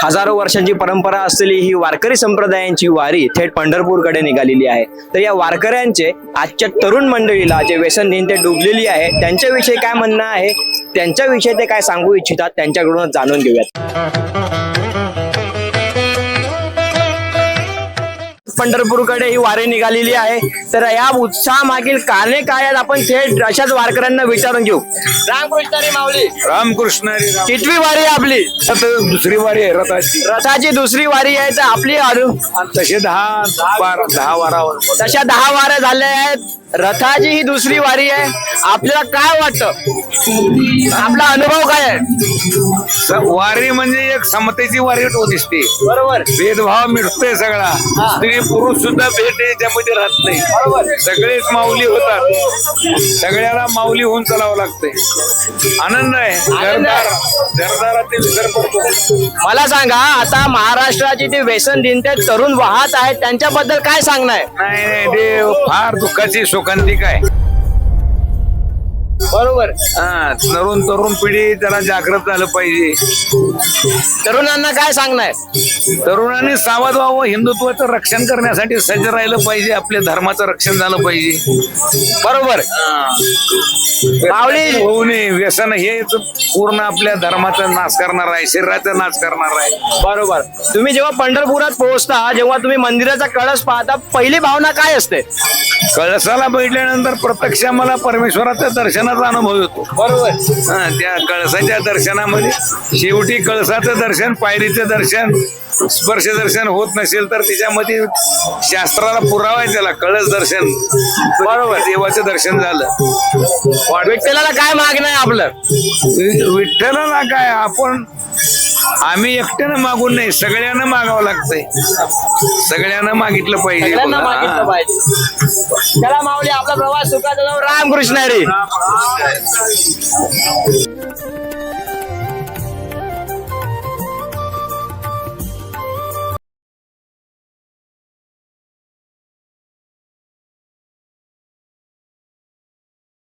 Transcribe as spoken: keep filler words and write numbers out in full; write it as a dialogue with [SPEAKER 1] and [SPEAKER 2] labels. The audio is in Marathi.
[SPEAKER 1] हजारो वर्षांची परंपरा असलेली ही वारकरी संप्रदायांची वारी थेट पंढरपूरकडे निघालेली आहे. तर या वारकऱ्यांचे आजच्या तरुण मंडळीला जे व्यसनहीन ते डुबलेली आहे त्यांच्याविषयी काय म्हणणं आहे, त्यांच्याविषयी ते काय सांगू इच्छितात त्यांच्याकडूनच जाणून घेऊयात. पंढरपूरकडे ही वारी निघालेली आहे. तर या उत्साहामागील कारणे काय आहेत आपण थेट अशाच वारकऱ्यांना विचारून घेऊ. रामकृष्णारी माऊली.
[SPEAKER 2] रामकृष्णारी.
[SPEAKER 1] कितवी वारी आहे आपली?
[SPEAKER 2] आता दुसरी वारी आहे रथाची.
[SPEAKER 1] रथाची दुसरी वारी आहे. तर आपली अनु
[SPEAKER 2] तसे दहा बारा दहा वारावर
[SPEAKER 1] तशा दहा वाऱ्या झाल्या आहेत. रथाची ही दुसरी वारी आहे. आपल्याला काय वाटतं, आपला अनुभव काय आहे?
[SPEAKER 2] वारी म्हणजे एक समतेची वारी दिसते.
[SPEAKER 1] बरोबर.
[SPEAKER 2] भेदभाव मिटतोय सगळा. स्त्री पुरुष सुद्धा भेट याच्यामध्ये राहत नाही.
[SPEAKER 1] बरोबर.
[SPEAKER 2] सगळेच माऊली होतात. सगळ्याला माऊली होऊन चालावं लागतंय. आनंद आहे. घरदार घरदारातील घर पडतो.
[SPEAKER 1] मला सांगा, आता महाराष्ट्राची ते व्यसनहीन ते तरुण वाहत आहेत त्यांच्याबद्दल काय सांगणं आहे?
[SPEAKER 2] नाही नाही ते फार दुःखाची शोकांतिका आहे.
[SPEAKER 1] बरोबर.
[SPEAKER 2] हा तरुण तरुण पिढी त्याला जागृत झालं पाहिजे.
[SPEAKER 1] तरुणांना काय सांगणं आहे?
[SPEAKER 2] तरुणांनी सावध व्हावं. हिंदुत्वाचं रक्षण करण्यासाठी सज्ज राहिलं पाहिजे. आपल्या धर्माचं रक्षण झालं पाहिजे.
[SPEAKER 1] बरोबर. माऊली.
[SPEAKER 2] होऊ नये. व्यसन हे पूर्ण आपल्या धर्माचा नाश करणार आहे, शरीराचा नाश करणार आहे.
[SPEAKER 1] बरोबर. तुम्ही जेव्हा पंढरपुरात पोहोचता, जेव्हा तुम्ही मंदिराचा कळस पाहता, पहिली भावना काय असते?
[SPEAKER 2] कळसाला बघितल्यानंतर प्रत्यक्ष मला परमेश्वराच्या दर्शनाचा अनुभव येतो.
[SPEAKER 1] बरोबर.
[SPEAKER 2] हा त्या कळसाच्या दर्शनामध्ये शेवटी कळसाचं दर्शन, पायरीचं दर्शन, स्पर्श दर्शन होत नसेल तर त्याच्यामध्ये शास्त्राला पुरावा आहे त्याला कळस दर्शन. बरोबर. देवाचं दर्शन झालं.
[SPEAKER 1] विठ्ठलाला काय मागणं आहे आपलं?
[SPEAKER 2] विठ्ठलाला काय आपण आम्ही एकट्यानं मागून नाही, सगळ्यांना मागावं लागतंय. सगळ्यांना मागितलं पाहिजे.
[SPEAKER 1] सगळ्यांना मागितलं पाहिजे. चला माऊली, आपला प्रवास सुखाचा जाऊ. रामकृष्ण हरी.